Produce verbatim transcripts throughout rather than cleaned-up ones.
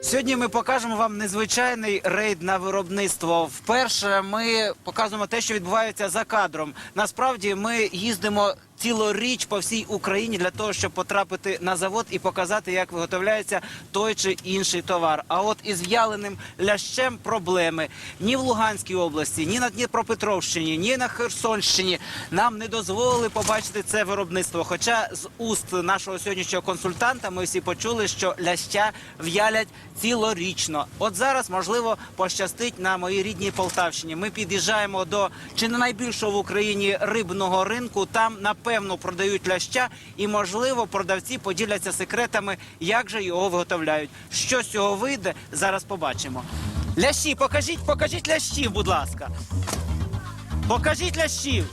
Сьогодні ми покажемо вам незвичайний рейд на виробництво. Вперше ми показуємо те, що відбувається за кадром. Насправді ми їздимо цілоріч по всій Україні для того, щоб потрапити на завод і показати, як виготовляється той чи інший товар. А от із в'яленим лящем проблеми. Ні в Луганській області, ні на Дніпропетровщині, ні на Херсонщині нам не дозволили побачити це виробництво. Хоча з уст нашого сьогоднішнього консультанта ми всі почули, що ляща в'ялять цілорічно. От зараз, можливо, пощастить на моїй рідній Полтавщині. Ми під'їжджаємо до чи не найбільшого в Україні рибного ринку. Там, напевно, продають ляща і, можливо, продавці поділяться секретами, як же його виготовляють. Що з цього вийде, зараз побачимо. Лящі, покажіть, покажіть лящів, будь ласка. Покажіть лящів.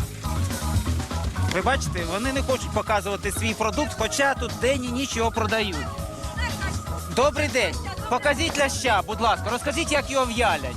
Ви бачите, вони не хочуть показувати свій продукт, хоча тут день і ніч його продають. Добрий день. Покажіть ляща, будь ласка. Розкажіть, як його в'ялять.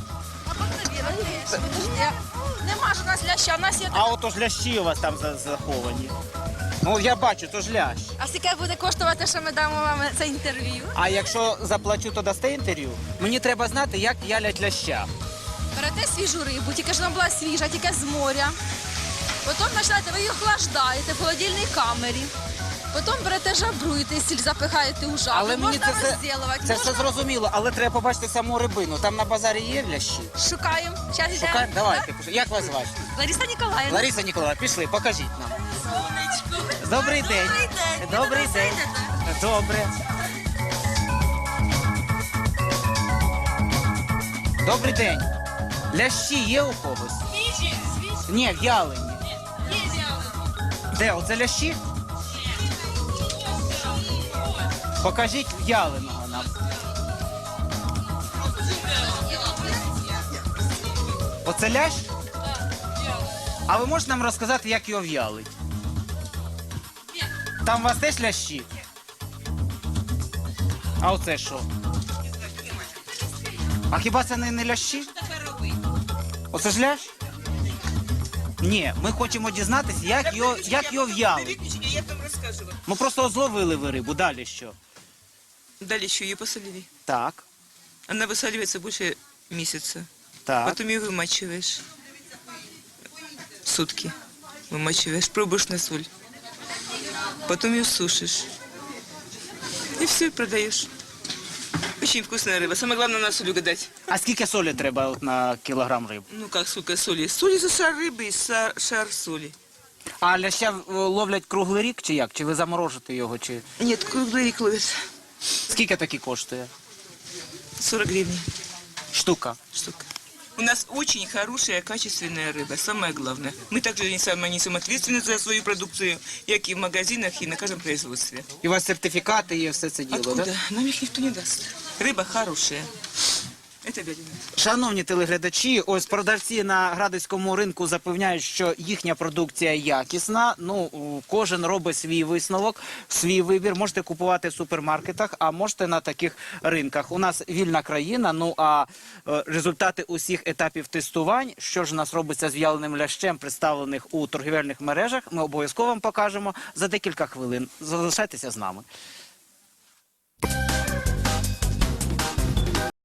Нема ж у нас ляща, у нас є... А ото ж лящі у вас там заховані. Ну, я бачу, то ж лящ. А скільки буде коштувати, що ми дамо вам це інтерв'ю? А якщо заплачу, то дасте інтерв'ю? Мені треба знати, як в'ялять ляща. Берете свіжу рибу, тільки ж вона була свіжа, тільки з моря. Потім починаєте, ви її охлаждаєте в холодильній камері. Потім берете жабруєте, сіль запихаєте у жабру. Але мені можна це, все, розділувати. це можна... все зрозуміло, але треба побачити саму рибину. Там на базарі є лящі? Шукаємо. Зараз йдемо. Шукаємо? Давайте. Як вас звати? Лариса Ніколаївна. Лариса Ніколаївна, пішли, покажіть нам. Сонечко. Добрий день. Добрий день. Добрий Ви день. зайдете? Добре. Добрий день. Лящі є у когось? Свіжі, свіжі. Ні, в'ялені. Є з'явлено. Де? Оце лящі? Покажіть в'яленого нам. Оце лящ? А ви можете нам розказати, як його в'ялить? Там у вас теж лящі? А оце що? А хіба це не, не лящі? Оце ж лящ? Ні, ми хочемо дізнатися, як його, як його в'ялить. Я там рассказывала. Ми просто зловили ви рибу, далі що? Дали еще ее посолили. Так, Она высаливается больше месяца. так. Потом ее вымачиваешь. Сутки вымачиваешь, пробуешь на соль. Потом ее сушишь. И все, продаешь. Очень вкусная рыба. Самое главное на соль угадать. А скільки солі треба от на кілограм риби? Ну как, сколько соли? Соли за шар рыбы и са- шар соли. А ляща е, ловлять круглий рік чи як? Чи ви заморожите його? Чи Нет, круглый рик ловят. скільки такі коштує? сорок гривен Штука. штука. У нас очень хорошая, качественная рыба, самое главное. Мы также несем, несем ответственность за свою продукцию, как и в магазинах, и на каждом производстве. І у вас сертифікати є все це діло, Откуда? так? Нам их никто не даст. Рыба хорошая. Это говядина. Шановні телеглядачі, ось продавці на Градицькому ринку запевняють, що їхня продукція якісна. Ну, у- кожен робить свій висновок, свій вибір. Можете купувати в супермаркетах, а можете на таких ринках. У нас вільна країна, ну а е, результати усіх етапів тестувань, що ж у нас робиться з в'яленим лящем, представлених у торгівельних мережах, ми обов'язково вам покажемо за декілька хвилин. Залишайтеся з нами.